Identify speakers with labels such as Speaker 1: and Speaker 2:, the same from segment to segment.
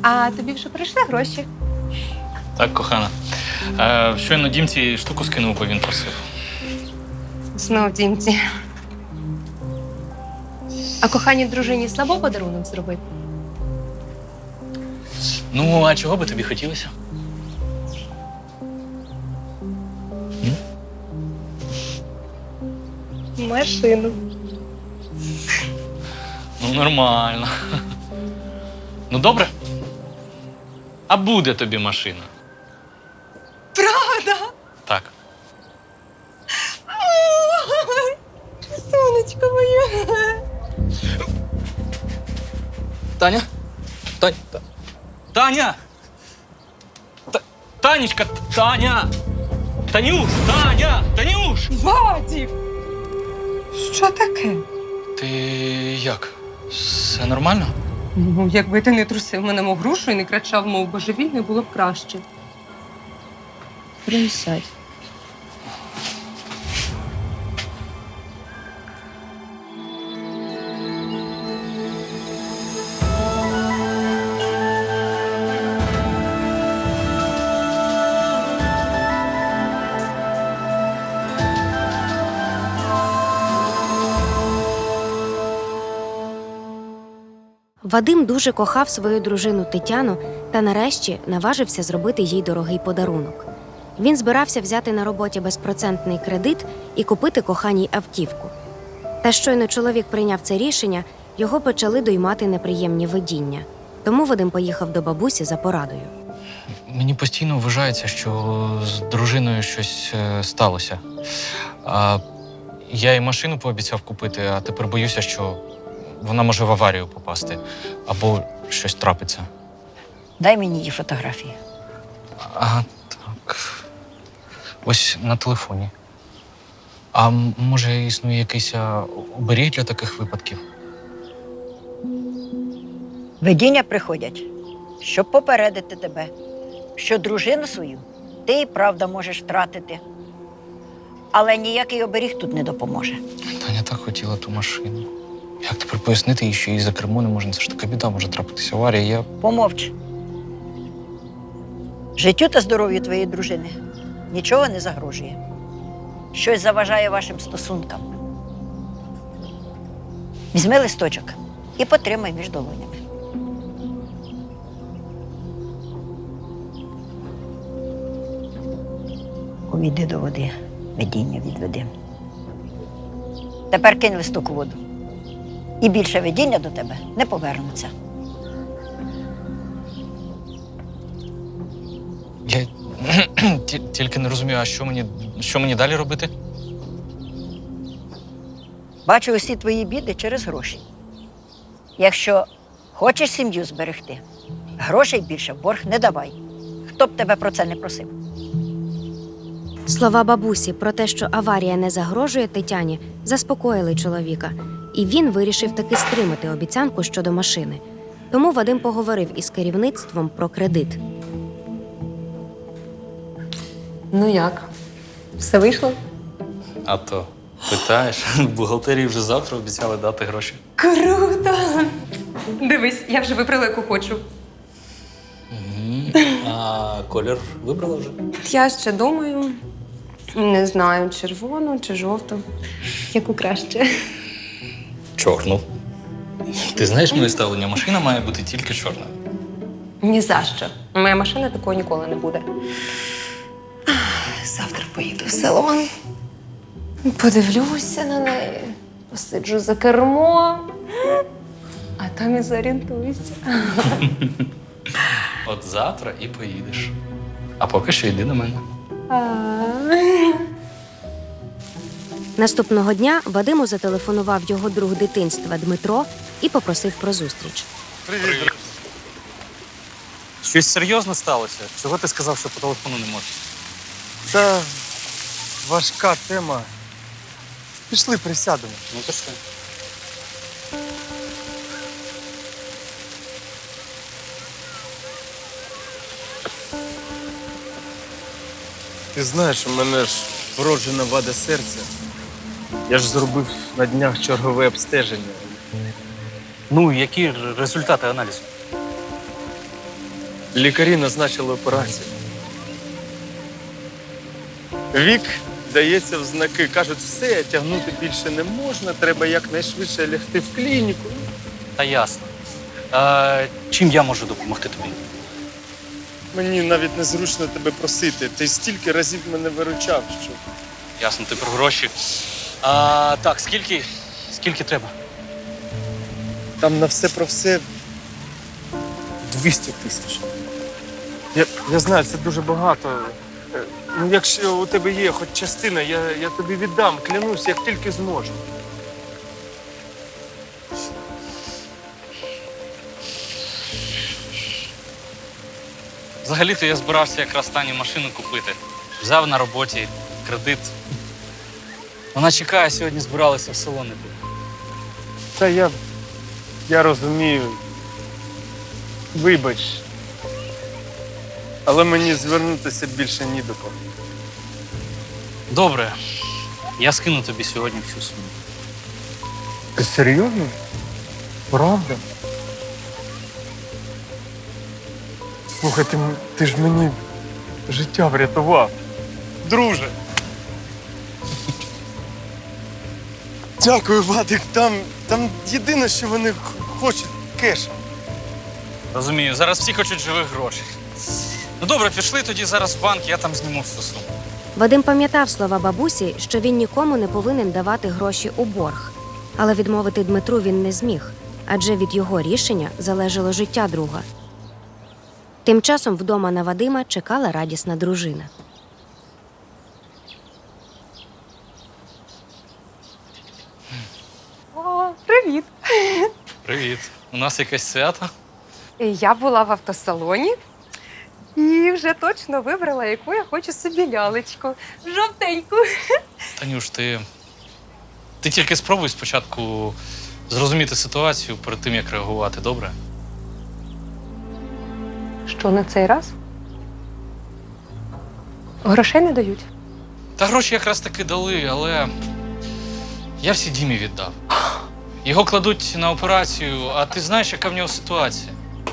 Speaker 1: А тобі вже прийшли гроші?
Speaker 2: Так, кохана. Щойно Дімці штуку скинув, бо він просив.
Speaker 1: Знов Дімці. А коханій дружині слабо подарунок зробити?
Speaker 2: Ну, а чого би тобі хотілося?
Speaker 1: Машину.
Speaker 2: Ну, нормально. Ну, добре. А буде тобі машина?
Speaker 1: Правда?
Speaker 2: Так.
Speaker 1: Ой, сонечко моє.
Speaker 2: Таня? Таня! Танечка! Таня! Танюш! Таня! Танюш!
Speaker 1: Вадік! Що таке?
Speaker 2: Ти як? Все нормально?
Speaker 1: Ну, якби ти не трусив мене мов грушу і не кричав, мов божевільний, було б краще. Присядь.
Speaker 3: Вадим дуже кохав свою дружину Тетяну та нарешті наважився зробити їй дорогий подарунок. Він збирався взяти на роботі безпроцентний кредит і купити коханій автівку. Та щойно чоловік прийняв це рішення, його почали доймати неприємні видіння. Тому Вадим поїхав до бабусі за порадою.
Speaker 2: Мені постійно вважається, що з дружиною щось сталося. Я їй машину пообіцяв купити, а тепер боюся, що вона може в аварію попасти або щось трапиться.
Speaker 4: Дай мені її фотографії.
Speaker 2: Ага, так. Ось на телефоні. А може існує якийсь оберіг для таких випадків?
Speaker 4: Видіння приходять, щоб попередити тебе, що дружину свою ти і правда можеш втратити. Але ніякий оберіг тут не допоможе.
Speaker 2: Таня так хотіла ту машину. Як тепер пояснити їй, що їй за кермо не можна? Це ж така біда, може трапитися аварія.
Speaker 4: Помовч. Життю та здоров'ю твоєї дружини нічого не загрожує. Щось заважає вашим стосункам. Візьми листочок і потримай між долонями. Увійди до води, видіння відведи. Тепер кинь листок у воду. І більше видіння до тебе не повернуться.
Speaker 2: Я тільки не розумію, а що мені далі робити?
Speaker 4: Бачу усі твої біди через гроші. Якщо хочеш сім'ю зберегти, грошей більше в борг не давай. Хто б тебе про це не просив.
Speaker 3: Слова бабусі про те, що аварія не загрожує Тетяні, заспокоїли чоловіка. І він вирішив таки стримати обіцянку щодо машини. Тому Вадим поговорив із керівництвом про кредит.
Speaker 1: Ну як? Все вийшло?
Speaker 2: А то питаєш, в бухгалтерії вже завтра обіцяли дати гроші.
Speaker 1: Круто! Дивись, я вже вибрала, яку хочу.
Speaker 2: А колір вибрала вже?
Speaker 1: Я ще думаю, не знаю, червону чи жовту. Яку краще?
Speaker 2: Чорну. Ти знаєш моє ставлення? Машина має бути тільки чорна.
Speaker 1: Ні за що. Моя машина такого ніколи не буде. Завтра поїду в салон. Подивлюся на неї, посиджу за кермо, а там і зорієнтуюся.
Speaker 2: От завтра і поїдеш. А поки що йди до мене.
Speaker 3: Наступного дня Вадиму зателефонував його друг дитинства Дмитро і попросив про зустріч.
Speaker 2: Привіт. Щось серйозно сталося? Чого ти сказав, що по телефону не можеш?
Speaker 5: Та важка тема. Пішли, присядемо.
Speaker 2: Ну то що?
Speaker 5: Ти знаєш, у мене ж вроджена вада серця. Я ж зробив на днях чергове обстеження.
Speaker 2: Ну, які результати аналізу?
Speaker 5: Лікарі назначили операцію. Вік дається в знаки. Кажуть, все, тягнути більше не можна, треба якнайшвидше лягти в клініку.
Speaker 2: Та ясно. Чим я можу допомогти тобі?
Speaker 5: Мені навіть незручно тебе просити. Ти стільки разів мене виручав, що
Speaker 2: Ясно, ти про гроші. Так, скільки треба?
Speaker 5: там на все про все 200 тисяч. Я знаю, це дуже багато. Ну, якщо у тебе є хоч частина, я тобі віддам, клянусь, як тільки зможу.
Speaker 2: Взагалі-то я збирався якраз Тані машину купити. Взяв на роботі кредит. Вона чекає, сьогодні збиралися в село не було.
Speaker 5: Та я розумію. Вибач. Але мені звернутися більше ні до кого.
Speaker 2: Добре, я скину тобі сьогодні всю суму.
Speaker 5: Ти серйозно? Правда? Слухай, ти ж мені життя врятував. Друже. Дякую, Вадик. Там єдине, що вони хочуть кеш.
Speaker 2: Розумію, зараз всі хочуть живих грошей. Ну добре, пішли тоді зараз в банк, я там зніму всю суму.
Speaker 3: Вадим пам'ятав слова бабусі, що він нікому не повинен давати гроші у борг. Але відмовити Дмитру він не зміг, адже від його рішення залежало життя друга. Тим часом вдома на Вадима чекала радісна дружина.
Speaker 1: О, привіт!
Speaker 2: Привіт. У нас якесь свято?
Speaker 1: Я була в автосалоні і вже точно вибрала, яку я хочу собі лялечку. Жовтеньку.
Speaker 2: Танюш, ти тільки спробуй спочатку зрозуміти ситуацію перед тим, як реагувати, добре?
Speaker 1: Що на цей раз? Грошей не дають.
Speaker 2: Та гроші якраз таки дали, але я всі Дімі віддав. Його кладуть на операцію, а ти знаєш, яка в нього ситуація?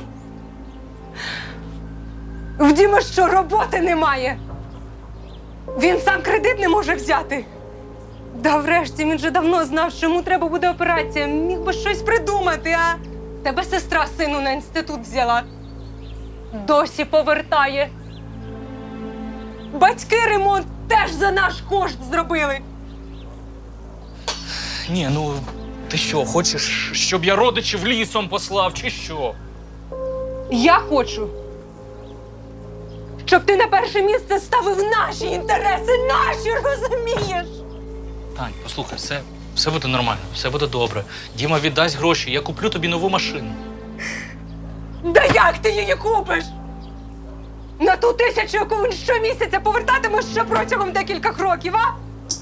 Speaker 1: В Діма що, роботи немає? Він сам кредит не може взяти. Да врешті, він же давно знав, що йому треба буде операція. Міг би щось придумати, а? Тебе сестра сину на інститут взяла. Досі повертає. Батьки ремонт теж за наш кошт зробили.
Speaker 2: Ні, ну ти що, хочеш, щоб я родичів лісом послав, чи що?
Speaker 1: Я хочу, щоб ти на перше місце ставив наші інтереси, наші, розумієш?
Speaker 2: Тань, послухай, все буде нормально, все буде добре. Діма віддасть гроші, я куплю тобі нову машину.
Speaker 1: Да як ти її купиш? На ту 1000, яку він щомісяця повертатиме ще протягом декількох років, а?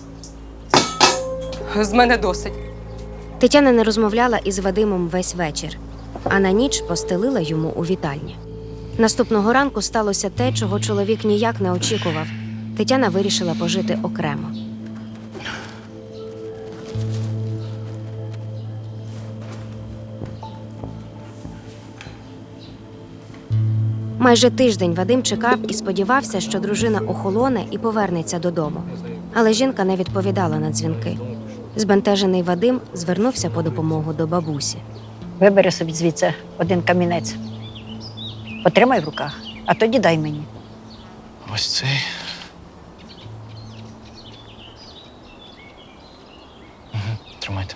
Speaker 1: З мене досить.
Speaker 3: Тетяна не розмовляла із Вадимом весь вечір, а на ніч постелила йому у вітальні. Наступного ранку сталося те, чого чоловік ніяк не очікував. Тетяна вирішила пожити окремо. Майже тиждень Вадим чекав і сподівався, що дружина охолоне і повернеться додому. Але жінка не відповідала на дзвінки. Збентежений Вадим звернувся по допомогу до бабусі.
Speaker 4: Вибери собі звідси один камінець. Потримай в руках, а тоді дай мені.
Speaker 2: Ось цей. Тримайте.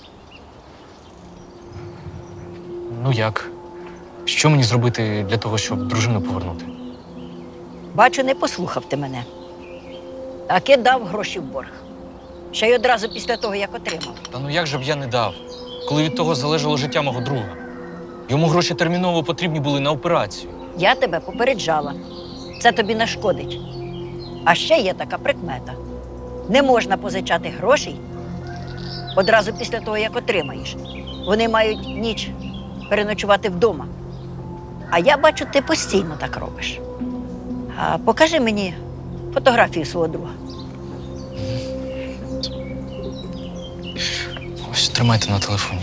Speaker 2: Ну як? Що мені зробити для того, щоб дружину повернути?
Speaker 4: Бачу, не послухав ти мене. Таки дав гроші в борг. Ще й одразу після того, як отримав.
Speaker 2: Та ну як же б я не дав, коли від того залежало життя мого друга? Йому гроші терміново потрібні були на операцію.
Speaker 4: Я тебе попереджала. Це тобі нашкодить. А ще є така прикмета. Не можна позичати грошей одразу після того, як отримаєш. Вони мають ніч переночувати вдома. А я бачу, ти постійно так робиш. А покажи мені фотографію свого друга.
Speaker 2: Ось тримайте на телефоні.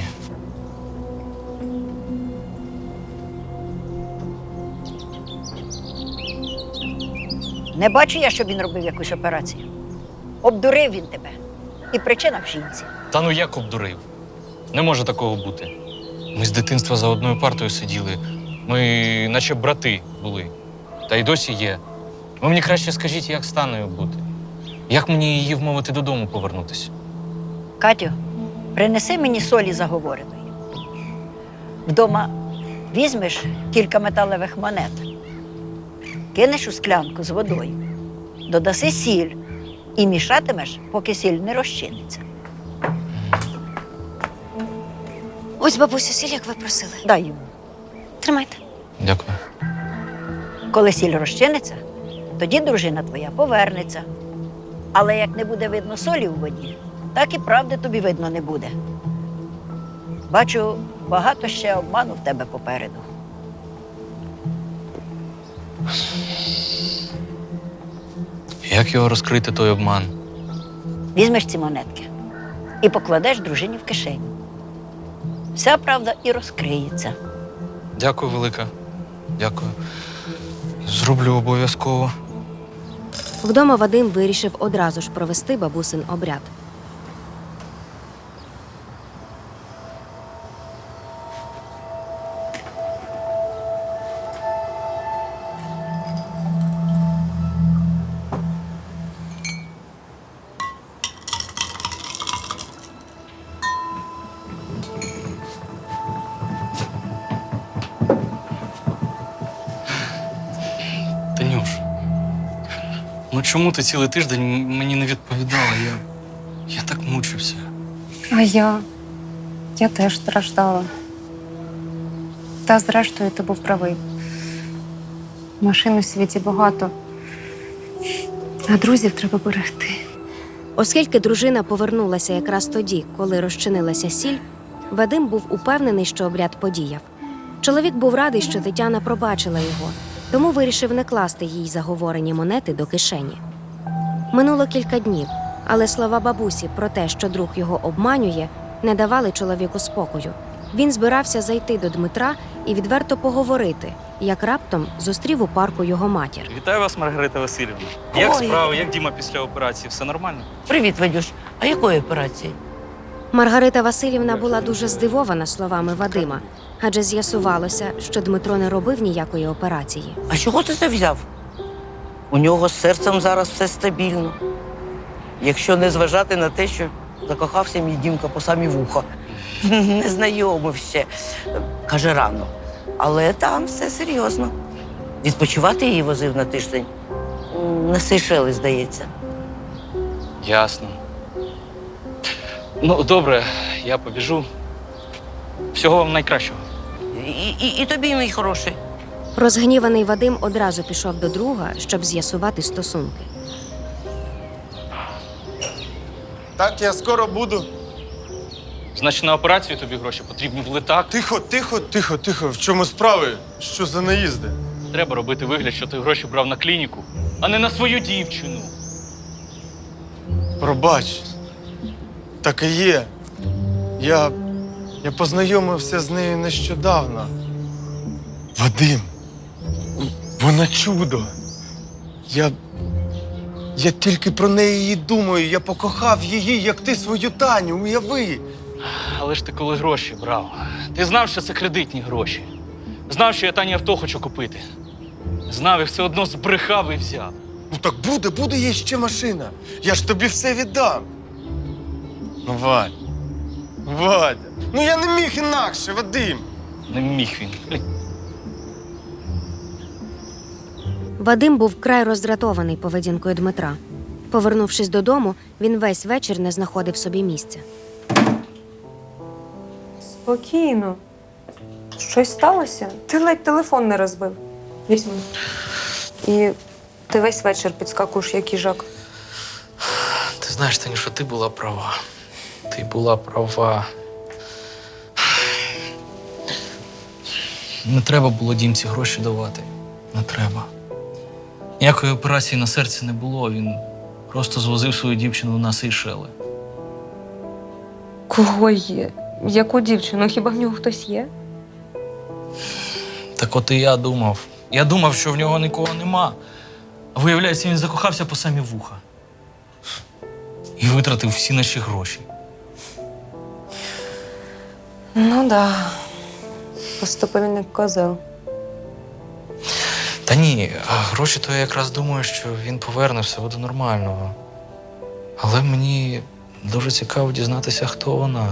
Speaker 4: Не бачу я, щоб він робив якусь операцію. Обдурив він тебе. І причина в жінці.
Speaker 2: Та ну як обдурив? Не може такого бути. Ми з дитинства за одною партою сиділи. Ми наче брати були. Та й досі є. Ви мені краще скажіть, як з Танею бути? Як мені її вмовити додому повернутися?
Speaker 4: Катю, принеси мені солі заговореної. Вдома візьмеш кілька металевих монет, кинеш у склянку з водою, додаси сіль і мішатимеш, поки сіль не розчиниться.
Speaker 3: Ось, бабусю, сіль, як ви просили.
Speaker 4: Дай йому.
Speaker 3: Тримайте.
Speaker 2: Дякую.
Speaker 4: Коли сіль розчиниться, тоді дружина твоя повернеться. Але як не буде видно солі у воді, так і правди тобі видно не буде. Бачу, багато ще обману в тебе попереду.
Speaker 2: Як його розкрити, той обман?
Speaker 4: Візьмеш ці монетки і покладеш дружині в кишеню. Вся правда і розкриється.
Speaker 2: Дякую, велика. Дякую. Зроблю обов'язково.
Speaker 3: Вдома Вадим вирішив одразу ж провести бабусин обряд.
Speaker 2: Танюш, ну чому ти цілий тиждень мені не відповідала? Я так мучився.
Speaker 1: А я теж страждала. Та зрештою ти був правий. Машин у світі багато, а друзів треба берегти.
Speaker 3: Оскільки дружина повернулася якраз тоді, коли розчинилася сіль, Вадим був упевнений, що обряд подіяв. Чоловік був радий, що Тетяна пробачила його, тому вирішив не класти їй заговорені монети до кишені. Минуло кілька днів, але слова бабусі про те, що друг його обманює, не давали чоловіку спокою. Він збирався зайти до Дмитра і відверто поговорити, як раптом зустрів у парку його матір.
Speaker 2: Вітаю вас, Маргарита Васильівна.
Speaker 6: Як
Speaker 2: справи? Як Діма після операції? Все нормально?
Speaker 6: Привіт, Вадюш. А якої операції?
Speaker 3: Маргарита Васильівна була дуже здивована словами Вадима, адже з'ясувалося, що Дмитро не робив ніякої операції.
Speaker 6: А чого ти це взяв? У нього з серцем зараз все стабільно. Якщо не зважати на те, що закохався мій Дімка по самі вуха. Не знайомив ще. Каже, рано. Але там все серйозно. Відпочивати її возив на тиждень. На Сейшели, здається.
Speaker 2: Ясно. Ну, добре, я побіжу. Всього вам найкращого.
Speaker 6: І тобі, мій хороший.
Speaker 3: Розгніваний Вадим одразу пішов до друга, щоб з'ясувати стосунки.
Speaker 5: Так, я скоро буду.
Speaker 2: Значить, на операцію тобі гроші потрібні були так.
Speaker 5: Тихо. В чому справи? Що за наїзди?
Speaker 2: Треба робити вигляд, що ти гроші брав на клініку, а не на свою дівчину.
Speaker 5: Пробач. Так і є. Я познайомився з нею нещодавно. Вадим, вона чудо. Я тільки про неї і думаю. Я покохав її, як ти свою Таню, уяви.
Speaker 2: Але ж ти коли гроші брав, ти знав, що це кредитні гроші. Знав, що я Тані авто хочу купити. Знав і все одно збрехав і взяв.
Speaker 5: Ну так буде є ще машина. Я ж тобі все віддам. Ну, Вадя, ну я не міг інакше, Вадим.
Speaker 2: Не міг він.
Speaker 3: Вадим був вкрай роздратований поведінкою Дмитра. Повернувшись додому, він весь вечір не знаходив собі місця.
Speaker 1: Спокійно. Щось сталося? Ти ледь телефон не розбив. Візьми. І ти весь вечір підскакуєш, як їжак.
Speaker 2: Ти знаєш, Танюша, ти була права. Ти була права. Не треба було Дімці гроші давати. Не треба. Ніякої операції на серці не було. Він просто звозив свою дівчину на Сейшели.
Speaker 1: Кого є? Яку дівчину? Хіба в нього хтось є?
Speaker 2: Так от і я думав. Я думав, що в нього нікого нема. А виявляється, він закохався по самі вуха. І витратив всі наші гроші.
Speaker 1: Ну да. Поступив він як козел.
Speaker 2: Та ні, а гроші то я якраз думаю, що він поверне, все буде нормально. Але мені дуже цікаво дізнатися, хто вона.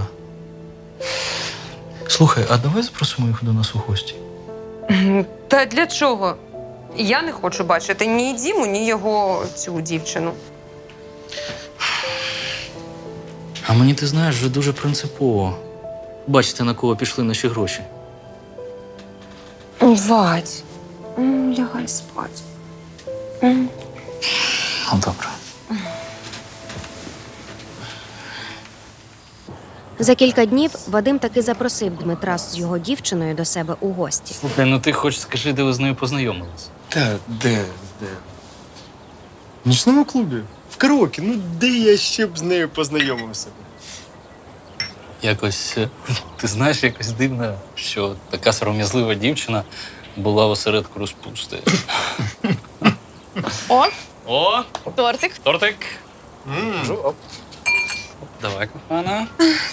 Speaker 2: Слухай, а давай запросимо їх до нас у гості.
Speaker 1: Та для чого? Я не хочу бачити ні Діму, ні його цю дівчину.
Speaker 2: А мені, ти знаєш, вже дуже принципово. Бачите, на кого пішли наші гроші.
Speaker 1: Вадь, лягай спать.
Speaker 2: Ну, добре.
Speaker 3: За кілька днів Вадим таки запросив Дмитра з його дівчиною до себе у гості.
Speaker 2: Слухай, ну ти хоч скажи, де ви з нею познайомились.
Speaker 5: Та де? В нічному клубі. В караоке. Ну де я ще б з нею познайомився?
Speaker 2: Якось, ти знаєш, якось дивно, що така сором'язлива дівчина була в осередку розпусти.
Speaker 7: О,
Speaker 2: О,
Speaker 7: тортик.
Speaker 2: тортик. Оп. Давай, кохана.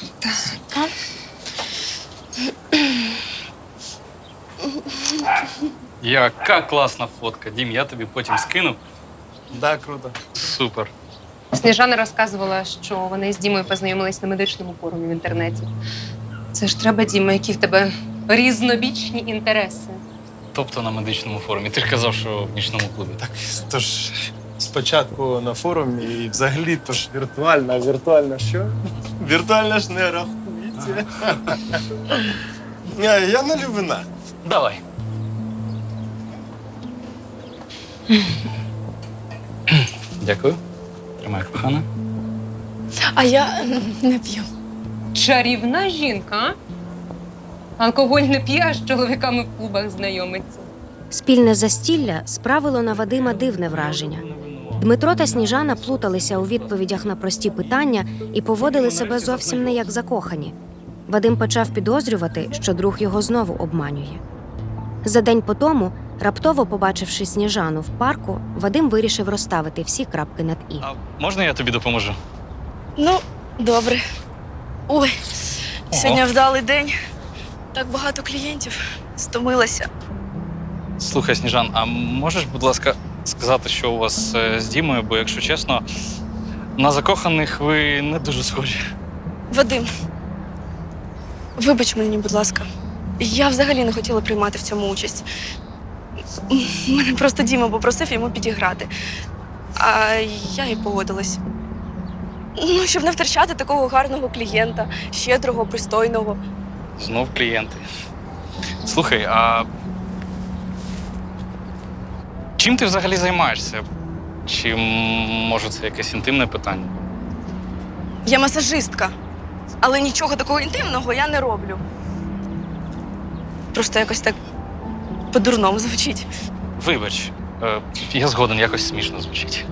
Speaker 2: Яка класна фотка. Дім, я тобі потім скину.
Speaker 5: Да, круто.
Speaker 2: Супер.
Speaker 1: Сніжана розказувала, що вони з Дімою познайомились на медичному форумі в інтернеті. Це ж треба, Діма, які в тебе різнобічні інтереси.
Speaker 2: Тобто на медичному форумі. Ти ж казав, що в нічному клубі. Так.
Speaker 5: Тож спочатку на форумі і взагалі то ж віртуальна, а віртуальна що? Віртуальна ж не рахується. Я налю вина.
Speaker 2: Давай. Дякую. Тримай, кохана.
Speaker 7: А я не п'ю.
Speaker 1: Чарівна жінка, а? Алкоголь не п'є, а з чоловіками в клубах знайомиться.
Speaker 3: Спільне застілля справило на Вадима дивне враження. Дмитро та Сніжана плуталися у відповідях на прості питання і поводили себе зовсім не як закохані. Вадим почав підозрювати, що друг його знову обманює. За день по тому, раптово побачивши Сніжану в парку, Вадим вирішив розставити всі крапки над «і».
Speaker 2: А можна я тобі допоможу?
Speaker 7: Ну, добре. Ой, сьогодні вдалий день. Так багато клієнтів. Стомилася.
Speaker 2: Слухай, Сніжан, а можеш, будь ласка, сказати, що у вас з Дімою, бо, якщо чесно, на закоханих ви не дуже схожі.
Speaker 7: Вадим, вибач мені, будь ласка. Я взагалі не хотіла приймати в цьому участь. Мене просто Діма попросив йому підіграти. А я і погодилась. Ну, щоб не втрачати такого гарного клієнта, щедрого, пристойного.
Speaker 2: Знов клієнти. Слухай, а чим ти взагалі займаєшся? Чи, може, це якесь інтимне питання?
Speaker 7: Я масажистка, але нічого такого інтимного я не роблю. Просто якось так по-дурному звучить.
Speaker 2: Вибач, я згоден, якось смішно звучить.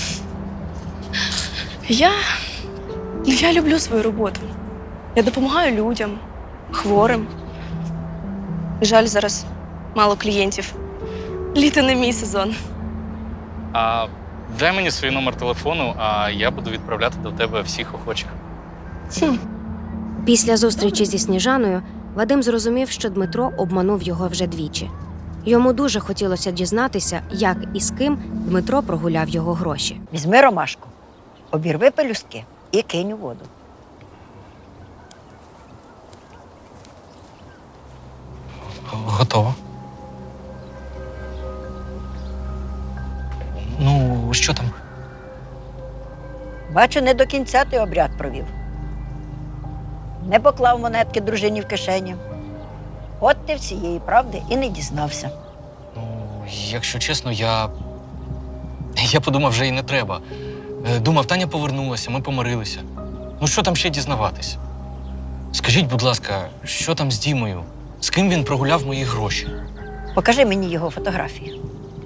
Speaker 7: Я люблю свою роботу. Я допомагаю людям, хворим. Жаль, зараз мало клієнтів. Літо не мій сезон.
Speaker 2: А дай мені свій номер телефону, а я буду відправляти до тебе всіх охочих.
Speaker 3: Після зустрічі зі Сніжаною Вадим зрозумів, що Дмитро обманув його вже двічі. Йому дуже хотілося дізнатися, як і з ким Дмитро прогуляв його гроші.
Speaker 4: Візьми ромашку, обірви пелюстки і кинь у воду.
Speaker 2: Готово. Ну, що там?
Speaker 4: Бачу, не до кінця ти обряд провів. Не поклав монетки дружині в кишеню. От ти всієї правди і не дізнався.
Speaker 2: Ну, якщо чесно, я подумав, вже і не треба. Думав, Таня повернулася, ми помирилися. Ну, що там ще дізнаватись? Скажіть, будь ласка, що там з Дімою? З ким він прогуляв мої гроші?
Speaker 4: Покажи мені його фотографію.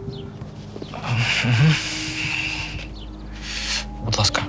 Speaker 2: Будь ласка.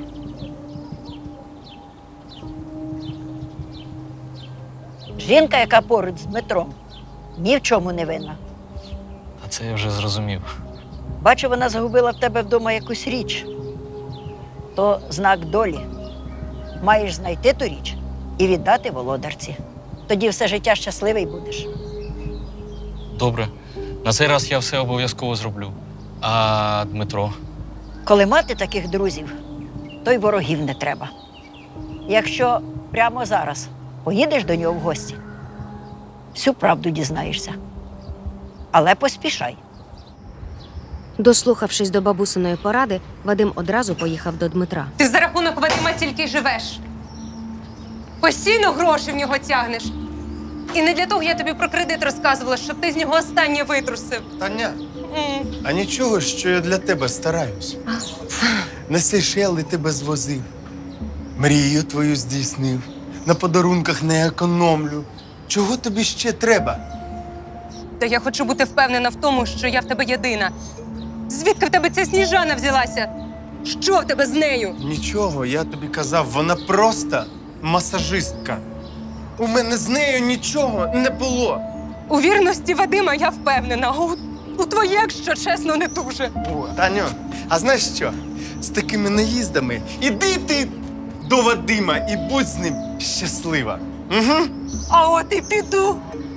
Speaker 4: Жінка, яка поруч з Дмитром, ні в чому не винна.
Speaker 2: А це я вже зрозумів.
Speaker 4: Бачу, вона загубила в тебе вдома якусь річ. То знак долі. Маєш знайти ту річ і віддати володарці. Тоді все життя щасливий будеш.
Speaker 2: Добре. На цей раз я все обов'язково зроблю. А Дмитро?
Speaker 4: Коли мати таких друзів, то й ворогів не треба. Якщо прямо зараз поїдеш до нього в гості, всю правду дізнаєшся. Але поспішай.
Speaker 3: Дослухавшись до бабусиної поради, Вадим одразу поїхав до Дмитра.
Speaker 1: Ти за рахунок Вадима тільки й живеш. Постійно гроші в нього тягнеш. І не для того я тобі про кредит розказувала, щоб ти з нього останнє витрусив.
Speaker 5: Таня, а нічого, що я для тебе стараюсь. На Сейшели тебе звозив, мрію твою здійснив, на подарунках не економлю. Чого тобі ще треба?
Speaker 1: Та я хочу бути впевнена в тому, що я в тебе єдина. Звідки в тебе ця Сніжана взялася? Що в тебе з нею?
Speaker 5: Нічого, я тобі казав, вона просто масажистка. У мене з нею нічого не було.
Speaker 1: У вірності Вадима я впевнена, а у твоє, якщо чесно, не дуже.
Speaker 5: О, Таню, а знаєш що? З такими наїздами іди ти до Вадима і будь з ним щаслива. Угу.
Speaker 1: А от і піду.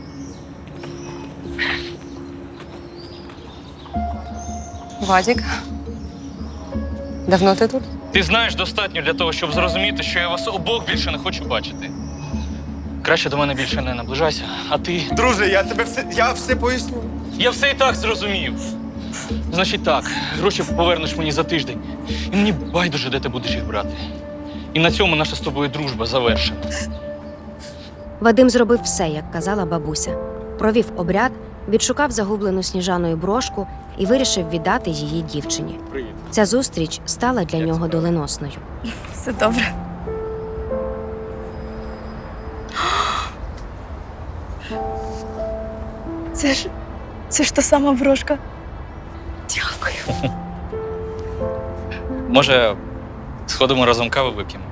Speaker 1: Вадік, давно ти тут?
Speaker 2: Ти знаєш достатньо для того, щоб зрозуміти, що я вас обох більше не хочу бачити. Краще до мене більше не наближайся, а ти.
Speaker 5: Друже, я все поясню.
Speaker 2: Я все і так зрозумів. Значить так, гроші повернеш мені за тиждень. І мені байдуже, де ти будеш їх брати. І на цьому наша з тобою дружба завершена.
Speaker 3: Вадим зробив все, як казала бабуся. Провів обряд, відшукав загублену Сніжаною брошку і вирішив віддати її дівчині.
Speaker 2: Привіт.
Speaker 3: Ця зустріч стала для нього доленосною.
Speaker 7: Все добре. Це ж та сама брошка. Дякую.
Speaker 2: Може, сходимо разом кави вип'ємо?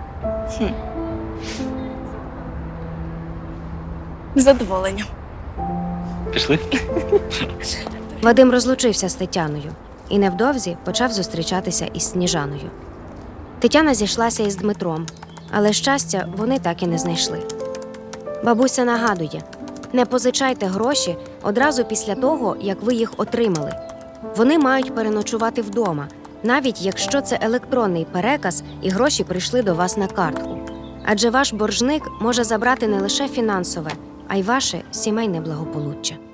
Speaker 7: З задоволенням.
Speaker 2: Пішли?
Speaker 3: Вадим розлучився з Тетяною і невдовзі почав зустрічатися із Сніжаною. Тетяна зійшлася із Дмитром, але щастя вони так і не знайшли. Бабуся нагадує: не позичайте гроші одразу після того, як ви їх отримали. Вони мають переночувати вдома, навіть якщо це електронний переказ і гроші прийшли до вас на картку. Адже ваш боржник може забрати не лише фінансове, а й ваше сімейне благополуччя.